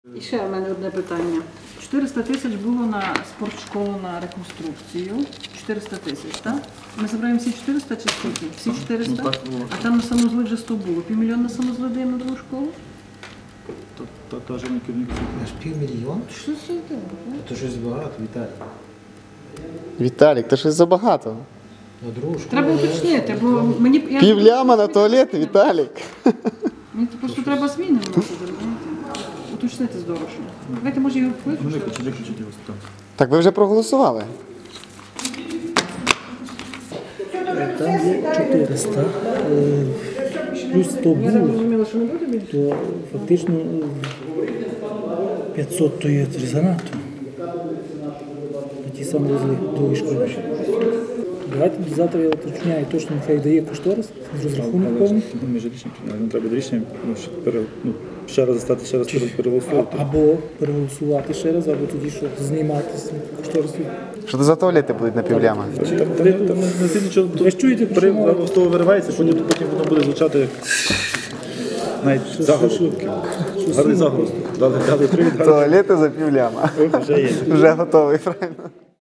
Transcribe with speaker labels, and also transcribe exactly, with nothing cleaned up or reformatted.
Speaker 1: І ще в мене одне питання. чотириста тисяч було на спортшколу на реконструкцію. чотириста тисяч, так? Ми забираємо всі чотириста чи скільки? Всі чотириста?
Speaker 2: Ну, так було.
Speaker 1: А там на санузли вже сто було. Півмільйона на санузли даємо на другу школу?
Speaker 2: Та каже мій керівник.
Speaker 3: Аж півмільйона?
Speaker 1: Що це таке?
Speaker 3: То щось багато, Віталій.
Speaker 4: Віталік, то щось забагато.
Speaker 3: На другу школу.
Speaker 1: Треба уточнити, бо мені... я-
Speaker 4: Пів ляма на туалет, Віталік.
Speaker 1: Мені просто треба зміни вносити, розумієте? Уточнити здорово. Давайте, може, його
Speaker 2: Ну,
Speaker 1: виключити?
Speaker 2: виключіть, виключіть його. Так.
Speaker 4: Так ви вже проголосували.
Speaker 5: Там є чотириста, е, плюс сто
Speaker 1: Я так
Speaker 5: було,
Speaker 1: зрозуміла, що не буде більше?
Speaker 5: то фактично е, п'ятсот то є занадто. На ті самі розли другої школи. Давайте завтра я уточняю точно, нехай дає кошторис з розрахунок повний.
Speaker 2: Ну, між рішенням, нам треба рішення, ну, ще, пере, ну, ще раз стати, ще раз пере- переголосувати.
Speaker 5: Або переголосувати ще раз, або тоді що знімати з кошторису.
Speaker 4: Що то за туалети будуть на пів ляма?
Speaker 2: Там, там, там, там не сильно нічого,
Speaker 5: Ви ж чуєте, про що мова?
Speaker 2: з того виривається, потім, потім воно буде звучати як навіть заголовок. Гарний заголовок. Дали, дали привід, дали.
Speaker 4: Туалети за пів ляма.
Speaker 2: Вже є.
Speaker 4: Вже готовий, правильно?